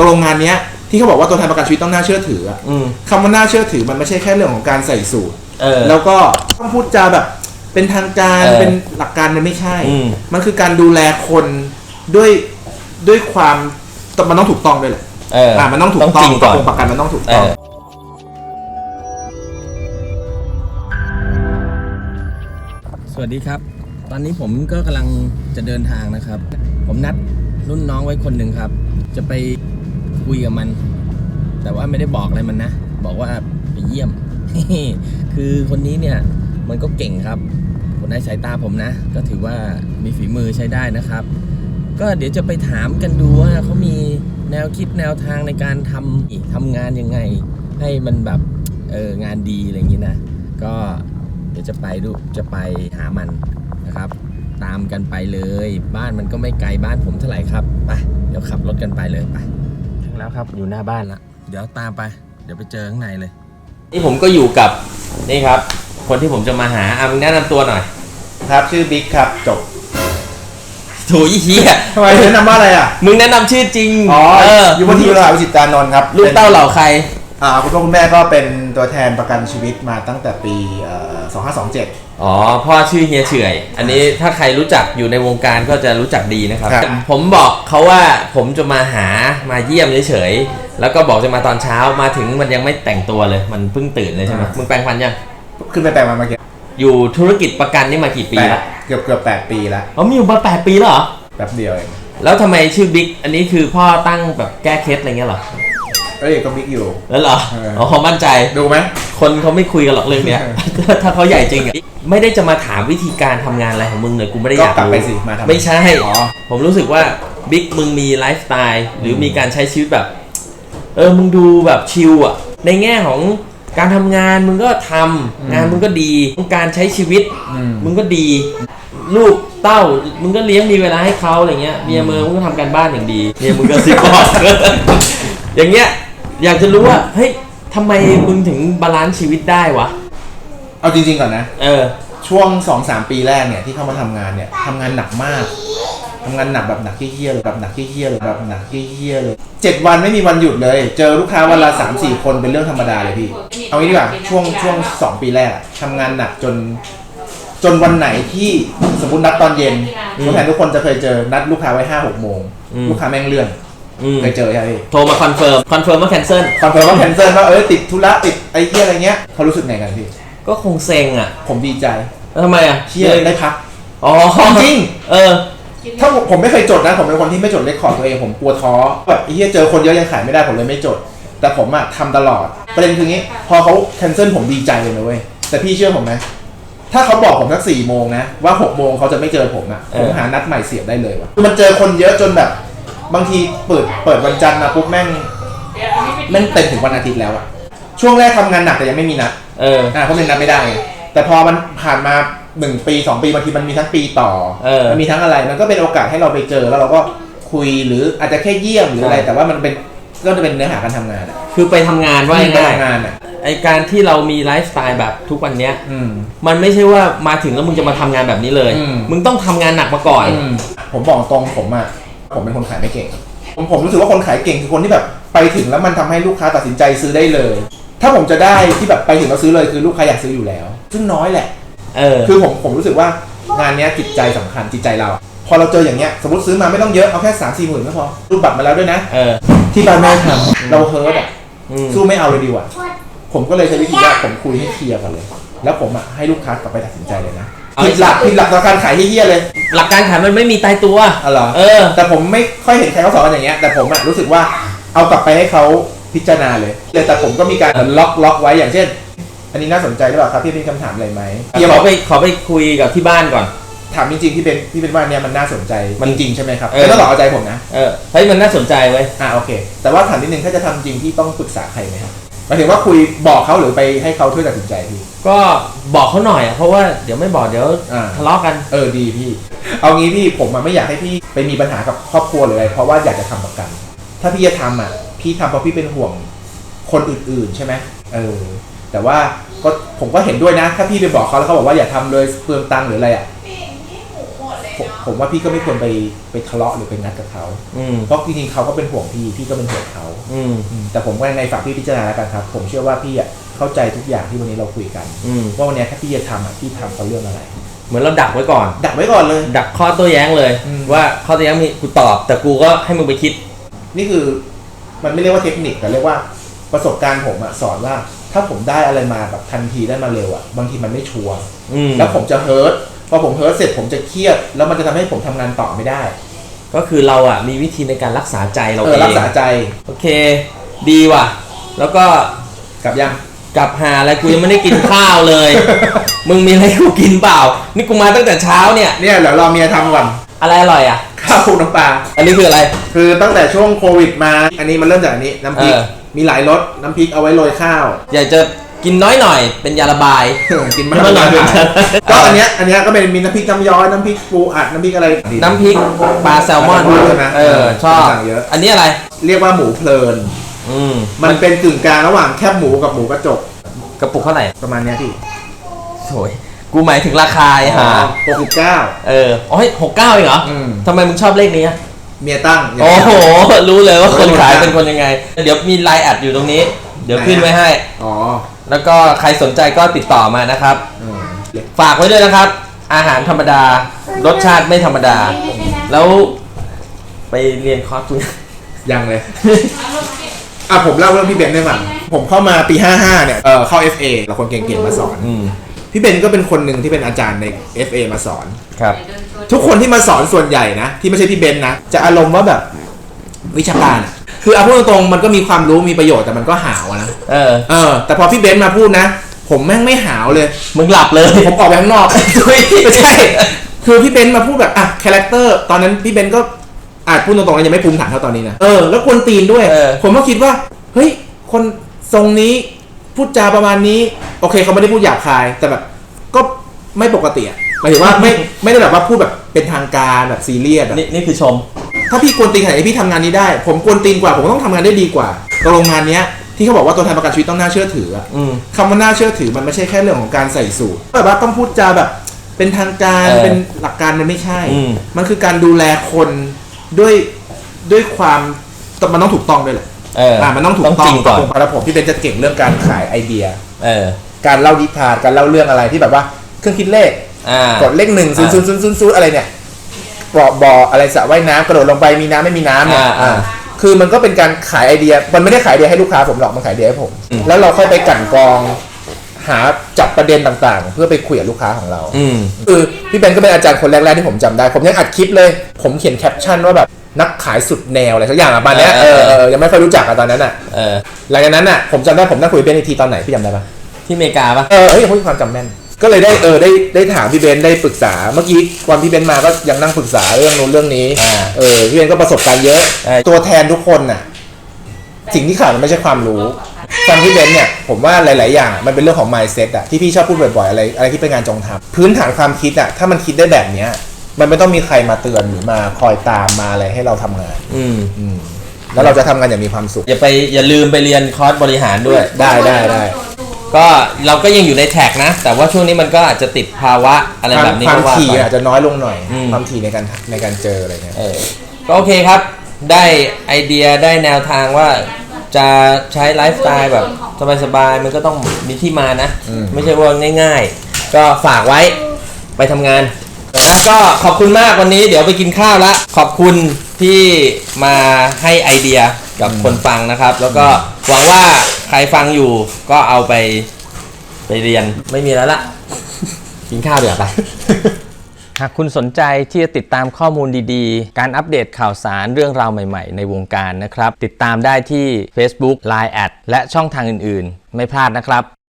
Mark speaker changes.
Speaker 1: ตกลงงานเนี้ยที่เขาบอกว่าตัวแทนประกันชีวิตต้องน่าเชื่อถือคำว่าน่าเชื่อถือมันไม่ใช่แค่เรื่องของการใส่สูทแล้วก็ต้องพูดจาแบบเป็นทางการเป็นหลักการมันไม่ใช่มันคือการดูแลคนด้วยความมันต้องถูกต้องด้วยแหละมันต้องถูกต้องตกลงประกันมันต้องถูกต้อง
Speaker 2: สวัสดีครับตอนนี้ผมก็กำลังจะเดินทางนะครับผมนัดรุ่นน้องไว้คนหนึ่งครับจะไปคุยกับมันแต่ว่าไม่ได้บอกอะไรมันนะบอกว่าไปเยี่ยม คือคนนี้เนี่ยมันก็เก่งครับในสายตาผมนะก็ถือว่ามีฝีมือใช้ได้นะครับก็เดี๋ยวจะไปถามกันดูว่าเขามีแนวคิดแนวทางในการทำงานยังไงให้มันแบบงานดีอะไรอย่างนี้นะก็เดี๋ยวจะไปหามันนะครับตามกันไปเลยบ้านมันก็ไม่ไกลบ้านผมเท่าไหร่ครับไปเดี๋ยวขับรถกันไปเลยไปถึงแล้วครับอยู่หน้าบ้านละเดี๋ยวตามไปเดี๋ยวไปเจอข้างในเลยนี่ผมก็อยู่กับนี่ครับคนที่ผมจะมาหามึงแนะนำตัวหน่อย
Speaker 1: ครับชื่อบิ๊กครับจบ
Speaker 2: โถยี่เหี้ย
Speaker 1: ทำไมแนะนำว่าอะไรอ่ะ
Speaker 2: มึงแนะนำชื่อจริง
Speaker 1: อยู่บนทีมวิจิตรานนท์ครับ
Speaker 2: ลูกเต้าเหล่าใคร
Speaker 1: คุณพ่อคุณแม่ก็เป็นตัวแทนประกันชีวิตมาตั้งแต่ปี2527
Speaker 2: พ่อชื่อเฮียเฉื่อยอันนี้ถ้าใครรู้จักอยู่ในวงการก็จะรู้จักดีนะครับผมบอกเขาว่าผมจะมาเยี่ยมเฉยๆแล้วก็บอกจะมาตอนเช้ามาถึงมันยังไม่แต่งตัวเลยมันเพิ่งตื่นเลยใช่ไหมมึงแปรงฟันยัง
Speaker 1: ขึ้นไปแปรงมาเมื่อกี้
Speaker 2: อยู่ธุรกิจประกันนี่มากี่ปีแล้ว
Speaker 1: เกือบ8 ปีแล้ว
Speaker 2: มีอยู่มา8 ปีแล้วเหรอ
Speaker 1: แป๊บเดียวเอง
Speaker 2: แล้วทำไมชื่อบิ๊กอันนี้คือพ่อตั้งแบบแก้เคล็ดอะไรเงี้ยเหรอ
Speaker 1: ก็บิ๊กอยู่
Speaker 2: แล้วเหรอมั่นใจ
Speaker 1: ดูไหม
Speaker 2: คนเขาไม่คุยกันหรอกเรื่องเนี้ย ถ้าเขาใหญ่จริงอ่ะไม่ได้จะมาถามวิธีการทำงานอะไรของมึงเลยกูไม่ได้อยากรู้ไม่ใช่ผมรู้สึกว่าบิ๊กมึงมีไลฟ์สไตล์หรือมีการใช้ชีวิตแบบมึงดูแบบชิลอ่ะในแง่ของการทำงานมึงก็ทำงานมึงก็ดีการใช้ชีวิตมึงก็ดีลูกเต้ามึงก็เลี้ยงมีเวลาให้เขาอะไรเงี้ยเมียมึงก็ทำการบ้านอย่างดีเมียมึงก็ซิปบอกอย่างเงี้ยอยากจะรู้ว่าเฮ้ยทำไมมึงถึงบาลานซ์ชีวิตได้วะ
Speaker 1: เอาจริงๆก่อนนะช่วง 2-3 ปีแรกเนี่ยที่เข้ามาทำงานเนี่ยทำงานหนักมากทำงานหนักแบบหนักเหี้ยๆเลยแบบหนักเหี้ยๆเลยแบบหนักเหี้ยๆเลย7 วันไม่มีวันหยุดเลยเจอลูกค้าวันละ 3-4 คนเป็นเรื่องธรรมดาเลยพี่เอางี้ดีกว่าช่วง2 ปีแรกทำงานหนักจนวันไหนที่สมมตินัดตอนเย็นผู้แทนทุกคนจะเคยเจอนัดลูกค้าไว้ 5-6 โมงลูกค้าแม่งเลื่อนเคยเจอใช่ไหม
Speaker 2: โทรมาคอนเฟิร์มว่าแคนเซิล
Speaker 1: ว่าติดธุระติดไอ้เหี้ยอะไรเงี้ยเขารู้สึกไงกันพี่
Speaker 2: ก็คงเซ็งอ่ะ
Speaker 1: ผมดีใจ
Speaker 2: แล้วทำไมอ่ะ
Speaker 1: เชี่ยได้พักจริงถ้าผมไม่เคยจดนะผมเป็นคนที่ไม่จดเรคคอร์ดตัวเองผมกลัวท้อแบบไอ้เหี้ยเจอคนเยอะยังขายไม่ได้ผมเลยไม่จดแต่ผมอะทำตลอดประเด็นคืองี้พอเขาแคนเซิลผมดีใจเลยนะเว้ยแต่พี่เชื่อผมไหมถ้าเขาบอกผมสัก4 โมงนะว่า6 โมงเขาจะไม่เจอผมอะผมหานัดใหม่เสียบได้เลยว่ะมันเจอคนเยอะจนแบบบางทีเปิดวันจันทร์มาปุ๊บแม่งเต็มถึงวันอาทิตย์แล้วอะช่วงแรกทำงานหนักแต่ยังไม่มีนัดเพราะมันนัดไม่ได้แต่พอมันผ่านมา1 ปี2 ปีบางทีมันมีทั้งปีต่อมันมีทั้งอะไรมันก็เป็นโอกาสให้เราไปเจอแล้วเราก็คุยหรืออาจจะแค่เยี่ยมหรืออะไรแต่ว่ามันเป็นก็จะเป็นเนื้อหาการทำงาน
Speaker 2: คือไปทำงานว่า
Speaker 1: ง่าย
Speaker 2: ไอการที่เรามีไลฟ์สไตล์แบบทุกวันเนี้ยมันไม่ใช่ว่ามาถึงแล้วมึงจะมาทำงานแบบนี้เลยมึงต้องทำงานหนักมาก่อน
Speaker 1: ผมบอกตรงผมเป็นคนขายไม่เก่งผมรู้สึกว่าคนขายเก่งคือคนที่แบบไปถึงแล้วมันทำให้ลูกค้าตัดสินใจซื้อได้เลยถ้าผมจะได้ที่แบบไปถึงแล้วซื้อเลยคือลูกค้าอยากซื้ออยู่แล้วซึ่งน้อยแหละคือผมรู้สึกว่างานนี้จิตใจสำคัญจิตใจเราพอเราเจออย่างเงี้ยสมมติซื้อมาไม่ต้องเยอะเอาแค่ 3-4 หมื่นก็พอรูปบัตรมาแล้วด้วยนะที่บ้านแม่ทำเราเฮิร์ตสู้ไม่เอาเลยดีกว่าผมก็เลยใช้วิธีว่าผมคุยให้เคลียร์กันเลยแล้วผมให้ลูกค้ากลับไปตัดสินใจเลยนะผิดหลักการขายที่เฮี้ยเลย
Speaker 2: หลักการขายมันไม่มีตายตัว
Speaker 1: เหรอแต่ผมไม่ค่อยเห็นใครเขาสอนกันอย่างเงี้ยแต่ผมรู้สึกว่าเอากลับไปให้เขาพิจารณาเลยแต่ผมก็มีการล็อกไว้อย่างเช่นอันนี้น่าสนใจหรือเปล่าครับพี่มีคำถามอะไรไหม
Speaker 2: ขอไปคุยกับที่บ้านก่อน
Speaker 1: ถามจริงๆพี่เป็นว่าเนี่ยมันน่าสนใจมันจริงใช่ไหมครับแต่ต้องเอาใจผมนะ
Speaker 2: เฮ้ยมันน่าสนใจเว้ย
Speaker 1: โอเคแต่ว่าถามนิดนึงถ้าจะทำจริงที่ต้องปรึกษาใครไหมครับหมายถึงว่าคุยบอกเขาหรือไปให้เขาช่วยตัดสินใจพี่
Speaker 2: ก็บอกเขาหน่อยเพราะว่าเดี๋ยวไม่บอกเดี๋ยวทะเลาะกัน
Speaker 1: ดีพี่เอางี้พี่ผมไม่อยากให้พี่ไปมีปัญหากับครอบครัวหรืออะไรเพราะว่าอยากจะทำประกันถ้าพี่จะทำพี่ทำเพราะพี่เป็นห่วงคนอื่นๆใช่ไหมแต่ว่าก็ผมก็เห็นด้วยนะถ้าพี่ไปบอกเขาแล้วเขาบอกว่าอย่าทำเลยเปลืองตังค์หรืออะไรผมว่าพี่ก็ไม่ควรไปทะเลาะหรือไปงัดกับเขาเพราะจริงๆเขาก็เป็นห่วงพี่ก็เป็นห่วงเขาแต่ผมก็ยังไงฝากพี่พิจารณาแล้วกันครับผมเชื่อว่าพี่เข้าใจทุกอย่างที่วันนี้เราคุยกันว่าวันนี้ถ้าพี่จะทำพี่ทำเพราะเรื่องอะไร
Speaker 2: เหมือนเราดักไว้ก่อน
Speaker 1: เลย
Speaker 2: ดักข้อโต้แย้งเลยว่าข้อโต้แย้งมีกูตอบแต่กูก็ให้มึงไปคิด
Speaker 1: นี่คือมันไม่เรียกว่าเทคนิคแต่เรียกว่าประสบการณ์ผมสอนว่าถ้าผมได้อะไรมาแบบทันทีได้มาเร็วบางทีมันไม่ชัวร์แล้วผมจะเฮิร์ตพอผมเฮิร์ตเสร็จผมจะเครียดแล้วมันจะทำให้ผมทำงานต่อไม่ได้
Speaker 2: ก็คือเรามีวิธีในการรักษาใจเราเอง
Speaker 1: รักษาใจ
Speaker 2: โอเคดีว่ะแล้วก็
Speaker 1: กลับ
Speaker 2: หาอะไรกูยังไม่ได้กินข้าวเลย มึงมีอะไรกูกินเปล่านี่กูมาตั้งแต่เช้าเนี่ย
Speaker 1: เดี๋ยวรอเมียทำก่อน
Speaker 2: อะไรอร่อย
Speaker 1: ข้าวคลุกน้ำปลา
Speaker 2: อันนี้คืออะไร
Speaker 1: คือตั้งแต่ช่วงโควิดมาอันนี้มันเริ่มจากอันนี้น้ำพริกมีหลายรสน้ำพริกเอาไว้โรยข้าว
Speaker 2: อยากจะกินน้อยหน่อยเป็นยาระบาย
Speaker 1: กินมากหน่อยก็อันเนี้ยก็เป็นมีน้ำพริกน้ำย้อยน้ำพริกปูอัดน้ำพริกอะไร
Speaker 2: น้ำพริกปลาแซลมอน
Speaker 1: ใช่ไหม
Speaker 2: ชอบอันนี้อะไร
Speaker 1: เรียกว่าหมูเพลินมันเป็นกึ่งกลางระหว่างแคบหมูกับหมูกระจก
Speaker 2: กระปุกเท่าไหร่
Speaker 1: ประมาณนี้พี่
Speaker 2: โอยกูหมายถึงราคา
Speaker 1: 69
Speaker 2: 69เองเหรอทำไมมึงชอบเลขนี้
Speaker 1: เมียตั้ง
Speaker 2: โอ้โหรู้เลยว่าคนขายเป็นคนยังไงเดี๋ยวมีไลน์แอดอยู่ตรงนี้เดี๋ยวขึ้นไว้ให้แล้วก็ใครสนใจก็ติดต่อมานะครับฝากไว้ด้วยนะครับอาหารธรรมดารสชาติไม่ธรรมดาแล้วไปเรียนคอร์สคุณ
Speaker 1: ยังเลยผมเล่าเรื่องพี่เบนได้มั้ยผมเข้ามาปี55เนี่ยเข้า FA เราคนเก่งๆมาสอนพี่เบนก็เป็นคนหนึ่งที่เป็นอาจารย์ใน FA มาสอน
Speaker 2: ครับ
Speaker 1: ทุกคนที่มาสอนส่วนใหญ่นะที่ไม่ใช่พี่เบนนะจะอารมณ์ว่าแบบวิชาการคือเอาพูดตรงๆมันก็มีความรู้มีประโยชน์แต่มันก็หาวนะแต่พอพี่เบนมาพูดนะผมแม่งไม่หาวเลย
Speaker 2: มึงหลับเลย
Speaker 1: ผมออกไปข้างนอกไม่ใช่คือพี่เบนมาพูดแบบคาแรคเตอร์ตอนนั้นพี่เบนก็พูดตรงๆยังไม่ภูมิฐานเท่าตอนนี้นะแล้วคนตีนด้วยผมก็คิดว่าเฮ้ยคนทรงนี้พูดจาประมาณนี้โอเคเขาไม่ได้พูดหยาบคายแต่แบบก็ไม่ปกติหมายถึงว่าไม่ได้แบบว่าพูดแบบเป็นทางการแบบซีเรียส
Speaker 2: นี่คือชม
Speaker 1: ถ้าพี่กวนตีนขนาดนี้พี่ทำงานนี้ได้ผมกวนตีนกว่าผมต้องทำงานได้ดีกว่าโรงงานเนี้ยที่เขาบอกว่าตัวแทนประกันชีวิตต้องน่าเชื่อถือคำว่าน่าเชื่อถือมันไม่ใช่แค่เรื่องของการใส่สูทแบบว่าต้องพูดจาแบบเป็นทางการเป็นหลักการมันไม่ใช่มันคือการดูแลคนด้วยความมันต้องถูกต้องด้วยแหละมันต้องถูกต้องก่อนแล้วผมที่เป็นจะเก่งเรื่องการขายไอเดียการเล่านิทานการเล่าเรื่องอะไรที่แบบว่าเครื่องคิดเลขกดเลข10000อะไรเนี่ยบ่ออะไรสระว่ายน้ำกระโดดลงไปมีน้ำไม่มีน้ำเนี่ยคือมันก็เป็นการขายไอเดียมันไม่ได้ขายไอเดียให้ลูกค้าผมหรอกมันขายไอเดียให้ผมแล้วเราค่อยไปกั่นกรองหาจับประเด็นต่างๆเพื่อไปคุยกับลูกค้าของเราคือพี่เบนก็เป็นอาจารย์คนแรกๆที่ผมจำได้ผมยังอัดคลิปเลยผมเขียนแคปชั่นว่าแบบนักขายสุดแนวอะไรสักอย่างประมาณนี้ยังไม่ค่อยรู้จักตอนนั้นหลังจากนั้นผมจำได้ผมนั่งคุยกับเบนทีตอนไหนพี่จำได้ปะ
Speaker 2: ที่อเมริกาปะ
Speaker 1: ผมมีความจำแม่นก็เลยได้ถามพี่เบนได้ปรึกษาเมื่อกี้วันพี่เบนมาก็ยังนั่งปรึกษาเรื่องนู้นเรื่องนี้พี่เบนก็ประสบการณ์เยอะตัวแทนทุกคนสิ่งที่ขาดมันไม่ใช่ความรู้ฟังพี่เบนเนี่ยผมว่าหลายๆอย่างมันเป็นเรื่องของ mindset ที่พี่ชอบพูดบ่อยๆอะไรที่เป็นงานจงทำพื้นฐานความคิดถ้ามันคิดได้แบบเนี้ยมันไม่ต้องมีใครมาเตือนหรือมาคอยตามมาอะไรให้เราทำงานแล้วเราจะทำงานอย่างมีความสุข
Speaker 2: อย่าลืมไปเรียนคอร์สบริหารด้วย
Speaker 1: ได้
Speaker 2: ก็เราก็ยังอยู่ในแท็กนะแต่ว่าช่วงนี้มันก็อาจจะติดภาวะอะไรแบบนี้
Speaker 1: ความถี่อาจจะน้อยลงหน่อยความถี่ในการเจออะไรเงี้ย
Speaker 2: ก็โอเคครับได้ไอเดียได้แนวทางว่าจะใช้ไลฟ์สไตล์แบบสบายๆมันก็ต้องมีที่มานะไม่ใช่ว่าง่ายๆก็ฝากไว้ไปทำงานก็ขอบคุณมากวันนี้เดี๋ยวไปกินข้าวละขอบคุณที่มาให้ไอเดียกับคนฟังนะครับแล้วก็หวังว่าใครฟังอยู่ก็เอาไปเรียนไม่มีแล้วละกินข้าวเดี๋ยวไป หากคุณสนใจที่จะติดตามข้อมูลดีๆการอัปเดตข่าวสารเรื่องราวใหม่ๆในวงการนะครับติดตามได้ที่ Facebook Line แอดและช่องทางอื่นๆไม่พลาดนะครับ